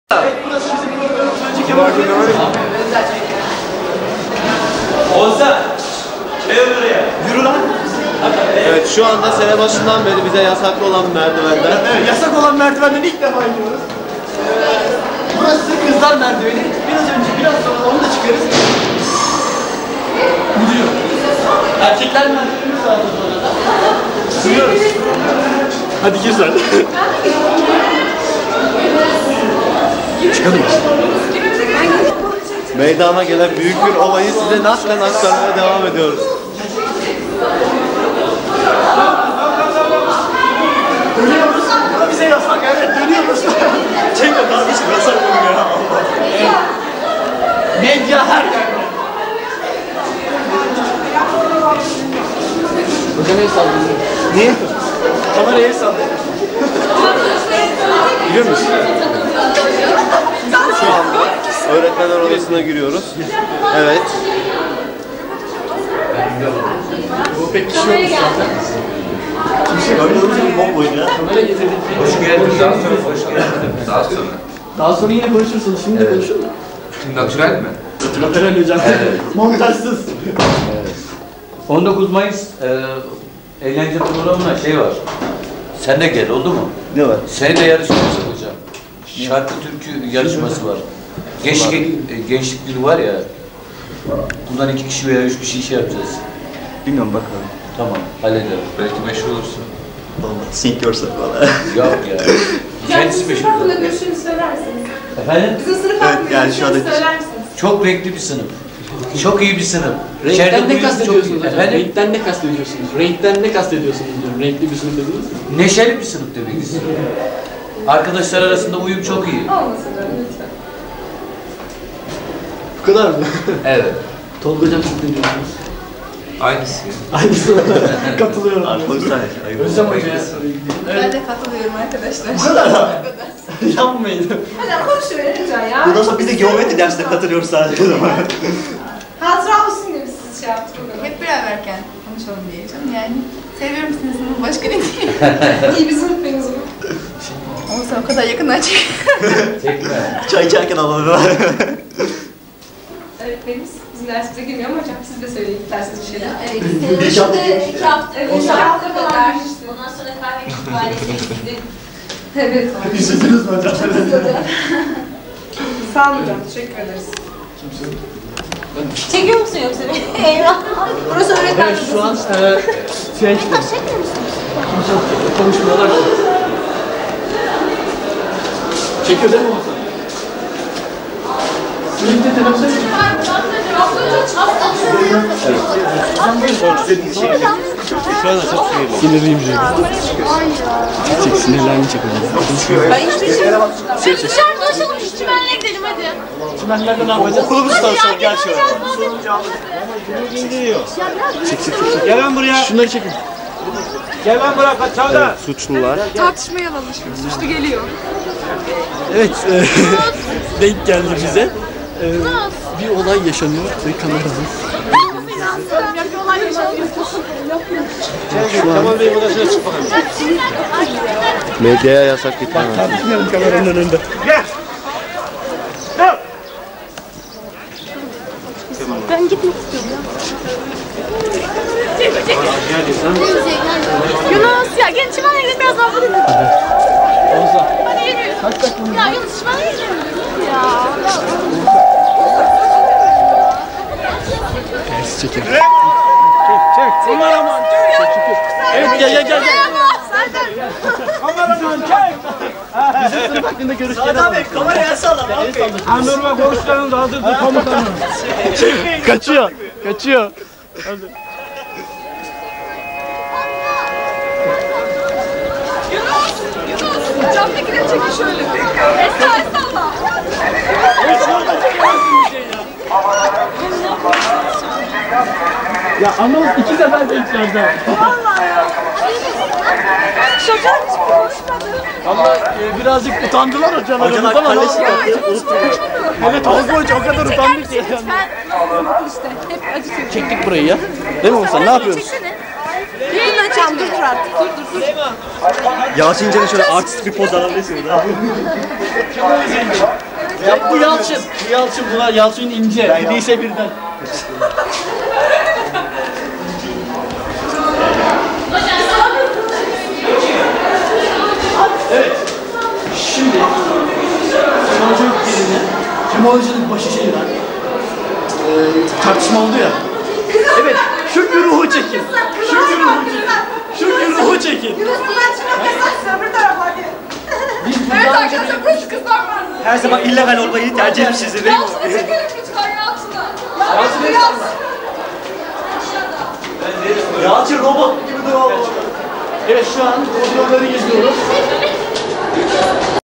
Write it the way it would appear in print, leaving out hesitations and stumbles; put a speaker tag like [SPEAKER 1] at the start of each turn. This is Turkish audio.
[SPEAKER 1] Burası bizim programımız. Önceki Ozan! Gel buraya. Yürü lan.
[SPEAKER 2] Evet, şu anda sene başından beri bize yasaklı olan merdivenden.
[SPEAKER 1] Evet, yasak olan merdivenden ilk defa iniyoruz. Burası kızlar merdiveni. Biraz sonra onu da çıkarız. Gidiyor. Erkekler merdivenimiz var sonra da. Sürüyoruz. Hadi gir sen. Çıkalım.
[SPEAKER 2] Meydana gelen büyük bir olayı size naklen aktarmaya devam ediyoruz.
[SPEAKER 1] Dönüyoruz. Bu da bize yasak. Evet, dönüyoruz. Çek o kardeşim, yasak bunu ya. Medya her yerde. Hocam el sallıyor. Niye? Kameraya el sallıyor. Biliyor musun?
[SPEAKER 2] Şu anda öğretmenler odasına giriyoruz. Evet.
[SPEAKER 1] Bu pek kişi yokmuş zaten. Kimse görmüyoruz ama bomboydu ya. Kamera getirdik.
[SPEAKER 3] Hoş geldin. Daha sonra hoş geldin. Daha sonra.
[SPEAKER 1] Daha sonra yine konuşursunuz. Şimdi de konuşun da.
[SPEAKER 3] Şimdi natürel mi?
[SPEAKER 1] Natürel hocam. Montajsız.
[SPEAKER 4] 19 Mayıs eğlence programına şey var. Sen de gel, oldu mu?
[SPEAKER 2] Ne var?
[SPEAKER 4] Seni de yarışması yapacağım. Şarkı türkü yarışması var. Gençlik günü var ya. Bundan 2 kişi veya 3 kişi şey yapacağız.
[SPEAKER 2] Bilmiyorum, bakalım.
[SPEAKER 4] Tamam, hallederim.
[SPEAKER 3] Belki meşhur olursun.
[SPEAKER 2] Olmadı. Sink yourself valla.
[SPEAKER 4] Yok ya. Kendisi meşhur.
[SPEAKER 5] Hakkında görüşünü söyler misiniz?
[SPEAKER 4] Efendim?
[SPEAKER 5] Bizim sınıf
[SPEAKER 2] Evet,
[SPEAKER 5] hakkında
[SPEAKER 2] yani şu
[SPEAKER 5] görüşünü
[SPEAKER 2] anda-
[SPEAKER 5] söyler misiniz?
[SPEAKER 4] Çok renkli bir sınıf. Çok iyi bir sınıf.
[SPEAKER 1] Renkten
[SPEAKER 4] İçeride
[SPEAKER 1] ne
[SPEAKER 4] duyuyoruz,
[SPEAKER 1] kastediyorsunuz
[SPEAKER 4] çok iyi.
[SPEAKER 1] hocam?
[SPEAKER 4] Efendim?
[SPEAKER 1] Renkten ne kastediyorsunuz? Renkten ne kastediyorsunuz diyorum. Renkli bir sınıf dediniz mi?
[SPEAKER 4] Neşeli bir sınıf demek istiyorum. Arkadaşlar arasında uyum çok iyi.
[SPEAKER 5] Olmasın canım lütfen.
[SPEAKER 1] Bu kadar mı?
[SPEAKER 4] Evet.
[SPEAKER 1] Tolga hocam siz ne diyorsunuz?
[SPEAKER 3] Aynısı.
[SPEAKER 1] Aynısı. Katılıyorum. Özlem Hoca ya.
[SPEAKER 5] Ben de katılıyorum arkadaşlar.
[SPEAKER 1] Bu kadar mı? Yapmayın.
[SPEAKER 5] Hadi konuşuverin lütfen ya.
[SPEAKER 2] Bundan sonra biz de geometri dersine katılıyoruz sadece o zaman.
[SPEAKER 5] Hatıra olsun diye siz şey yaptık. Hep beraberken konuşalım diye canım yani. Seviyorum sizin sınıfı, başka ne diyeyim. İyi bir sınıf benim sınıf. Olsa o kadar yakından çek.
[SPEAKER 4] Tekrar.
[SPEAKER 2] Çay içerken alalım.
[SPEAKER 5] Öğretmenimiz bizim dersimize girmiyor ama hocam siz de söyleyin dersiniz bir şeyler.
[SPEAKER 6] Evet,
[SPEAKER 2] Bir hafta
[SPEAKER 6] senelerinde 2 hafta,
[SPEAKER 5] Evet,
[SPEAKER 6] 3
[SPEAKER 5] 2
[SPEAKER 6] hafta
[SPEAKER 5] hafta
[SPEAKER 6] falan
[SPEAKER 5] kadar.
[SPEAKER 6] girmiştim. Ondan sonra kahve kütüphanesi gittim.
[SPEAKER 5] Evet.
[SPEAKER 1] Üzüldünüz mü hocam?
[SPEAKER 5] Sağ olun hocam, teşekkür ederiz.
[SPEAKER 6] Çekiyor musun yoksa beni? Eyvah. Burası öğretmen
[SPEAKER 1] Evet, şu an
[SPEAKER 6] odası.
[SPEAKER 1] şey
[SPEAKER 6] Çekmiyor musun?
[SPEAKER 1] konuşmalar çekiyor değil mi o? Birlikte teneffüs edin. Sinirliyim canım. Çek, sinirlerini çek hocam.
[SPEAKER 6] Ben hiçbir şey yok. Dışarı dolaşalım, şu çimenlere gidelim hadi.
[SPEAKER 1] Çimenlerde ne yapacağız?
[SPEAKER 2] Okulumuz tanışalım, gel şöyle.
[SPEAKER 1] Gel lan buraya. Şunları çekin. Gel lan buraya, kaç çavda.
[SPEAKER 2] Evet, suçlular.
[SPEAKER 5] Tartışmaya alınmış. Suçlu geliyor.
[SPEAKER 1] Evet, denk geldi bize. Bir olay yaşanıyor ve kameramız.
[SPEAKER 5] Bir olay yaşanıyor.
[SPEAKER 1] Tamam Bey'in odasına çık bakalım.
[SPEAKER 2] Medyaya yasak gitmemez.
[SPEAKER 1] Tartışmayalım kameranın önünde.
[SPEAKER 6] Ben gitmek istiyorum ya. Yunus ya gel çimenlere gidelim biraz daha bulayım. Hadi yürü.
[SPEAKER 1] Kaç dakika?
[SPEAKER 6] Ya Yunus çimenlere gidelim. Ya.
[SPEAKER 1] Ters çekin. Çek. Aman aman. Çek. Evet gel. Kameraman çek. Bizim sınıf hakkında görüşleri alalım.
[SPEAKER 2] Kameraya salla.
[SPEAKER 1] Anırma konuşlarını da hazırdır komutanım. Kaçıyor.
[SPEAKER 5] Yunus, camdakileri çekin şöyle. Estağfurullah.
[SPEAKER 1] Ya anons 2 sefer de içeride.
[SPEAKER 5] Vallahi ya. Şoför hiç konuşmadı.
[SPEAKER 1] Ama birazcık utandılar hocalarımız ama
[SPEAKER 2] kalleşik yapıyor.
[SPEAKER 1] evet Tolga Hoca o kadar utandı ki.
[SPEAKER 5] Ben işte hep acıtıyorum.
[SPEAKER 1] Çektik burayı ya. Değil mi Oğuzhan? Ne yapıyoruz?
[SPEAKER 5] Çeksene.
[SPEAKER 6] açacağım. Dur artık. Dur.
[SPEAKER 7] Yalçıncan'ın şöyle artist bir poz alabilirsiniz.
[SPEAKER 1] Bu Yalçın. Bu Yalçın. Bunlar Yalçın ince. Bir değilse birden. Evet. Şimdi Kemalcilik yerine Kemalcilik başı şey var. Tartışma oldu ya. Evet. Şu güruhu çekin. Şu güruhu çekin. Şu güruhu çekin. Biz
[SPEAKER 5] Evet
[SPEAKER 1] bundan önce
[SPEAKER 5] arkadaşlar burası kızlar var.
[SPEAKER 7] Her zaman illegal olmayı tercih etmişizdir değil mi?
[SPEAKER 5] Yalçın'a çekelim lütfen Yalçın'a.
[SPEAKER 7] Yalçın robot gibi duruyor.
[SPEAKER 1] Evet şu an koridorları geziyoruz.